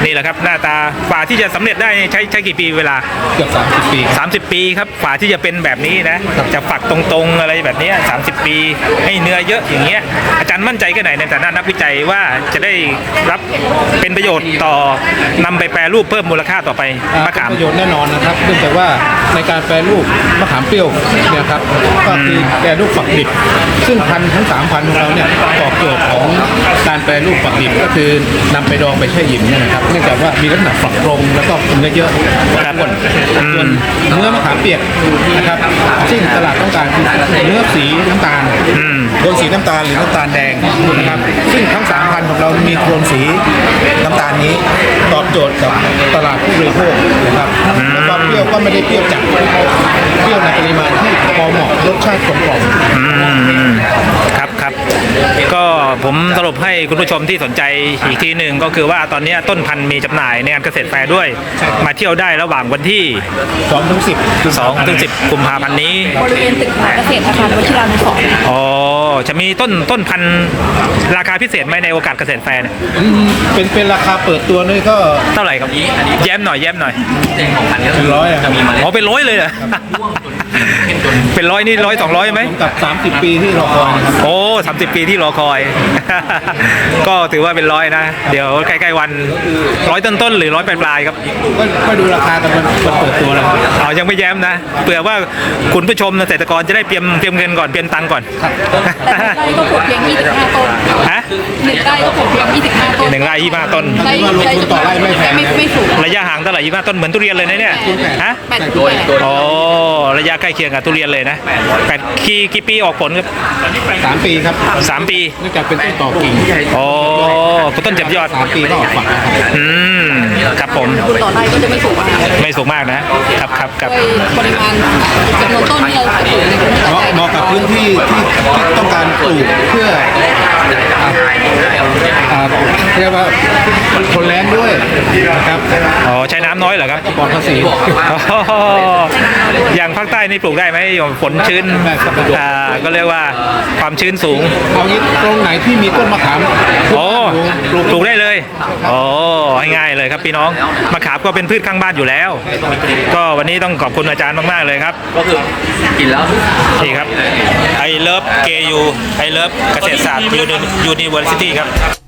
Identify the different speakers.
Speaker 1: นี่แหละครับหน้าตาฝ่าที่จะสำเร็จได้ใช้กี่ปีเวลา
Speaker 2: เกือบ30 ปี
Speaker 1: 30 ปีครับฝ่าที่จะเป็นแบบนี้นะจะฝักตรงๆอะไรแบบนี้30 ปีให้เนื้อเยอะอย่างเงี้ยอาจารย์มั่นใจแค่ไหนในฐานะนักวิจัยว่าจะได้รับเป็นประโยชน์ต่อนำไปแปรรูปเพิ่มมูลค่าต่อไปมะขาม
Speaker 2: ประโยชน์แน่นอนนะครับเนื่องจากว่าในการแปรรูปมะขามเปรี้ยวเนี่ยครับก็คือแปรรูปฝักดิบซึ่งพันธุ์ทั้ง3 พันธุ์ของเราเนี่ยตอบโจทย์ของการแปรรูปฝักดิบก็คือนำไปดองไปแช่หิมเนี่ยนะครับเนื่องจากว่ามีลักษณะฝักตรงแล้วก็เนื้อเยอะข้นส่วนเนื้อมะขามเปียกนะครับซึ่งตลาดต้องการคือเนื้อสีน้ำตาลโทนสีน้ำตาลหรือน้ำตาลแดงนะครับซึ่งทั้ง3 พันธุ์ของเรามีโทนสีน้ำตาลนี้ตอบโจทย์กับตลาดผู้บริโภคนะครับแล้วก็เปรี้ยวก็ไม่ได้เปรี้ยวจัดเปรี้ยวในปริมาณที่พอเหมาะรสชาติกลมกล่อม
Speaker 1: ครับก็ผมสรุปให้คุณผู้ชมที่สนใจอีกทีหนึ่งก็คือว่าตอนนี้ต้นพันธุ์มีจำหน่ายในงานเกษตรแฟร์ด้วยมาเที่ยวได้ระหว่างวันที่2-10กุมภาพันธ์นี้
Speaker 3: บริเวณตึกเกษตรอาคารวชิรานุสรณ์
Speaker 1: อ๋อจะมีต้นพันธุ์ราคาพิเศษไหมในโอกาสเกษตรแฟร์เนี่ย
Speaker 2: เป็นราคาเปิดตัวนี่ก็
Speaker 1: เท่าไหร่ครับแย้มหน่อย
Speaker 2: เป็นร้อย
Speaker 1: จะมีอ๋อเป็นร้อยเลยเหรอเป็นร้อยนี่100-200ไหม
Speaker 2: กับ30 ปีที่รอคอยนะครับ
Speaker 1: โอ้30 ปีที่รอคอยก็ถือว่าเป็นร้อยนะเดี๋ยวใกล้ๆวัน100ต้นหรือ100ปลายๆครับ
Speaker 2: ก็ดูราคากันมันเปิดตัวแล้ว
Speaker 1: อ๋อยังไม่แย้มนะเผื่อว่าคุณผู้ชมเกษตรกรจะได้เตรียมเงินก่อนเตรียมตังค์ก่อน
Speaker 3: ไร่ก็ปลูกเพียง25 ต้น
Speaker 1: ฮะ
Speaker 3: 1 ไร่ก็ปลูกเพียง25 ต้น
Speaker 1: 1 ไร่25 ต้น
Speaker 2: ไร่ลงทุนต่อไร่ไม่แพง
Speaker 3: ไม่สูง
Speaker 1: ระยะห่างเท่าไหร่25 ต้นเหมือนทุเรียนเลยนะเนี่ยฮะอ๋อระยะใกล้เคียงกับทุเรียนเลยนะกี่ปีออกผลครับ
Speaker 2: 3 ปีครับ
Speaker 1: 3 ปี
Speaker 2: เนื่องจากเป็นต้นต่อกิ่ง
Speaker 1: โอ้ต้นเจ็บยอด
Speaker 2: 3 ปีก็ออกฝัก
Speaker 1: ครับผม
Speaker 3: ต่อไร่ก็จะไม่สูงมาก
Speaker 1: ไม่สูงมากนะครับ
Speaker 3: ปริมาณจำนวนต้นที่เราปลูกในพื้นที่
Speaker 2: เหมาะกับพื้นที่ที่ต้องการปลูกเพื่อเรียกว่าทนแล้งด้วยนะครับ
Speaker 1: อ๋อใช้น้ำน้อยเหรอครับ
Speaker 2: ปลอดภาษี
Speaker 1: อย่างภาคใต้นี่ปลูกได้ไหมฝนชื้นก็เรียกว่าความชื้นสูง
Speaker 2: เอางี้ตรงไหนที่มีต้นมะขาม
Speaker 1: โอ้ปลูกได้เลยโอ้ง่ายเลยครับพี่น้องมะขามก็เป็นพืชข้างบ้านอยู่แล้วก็วันนี้ต้องขอบคุณอาจารย์มากๆเลยครับ
Speaker 4: ก็คือกินแล้ว
Speaker 1: นี่ครับI love KU I love เกษตรศาสตร์ University ครับ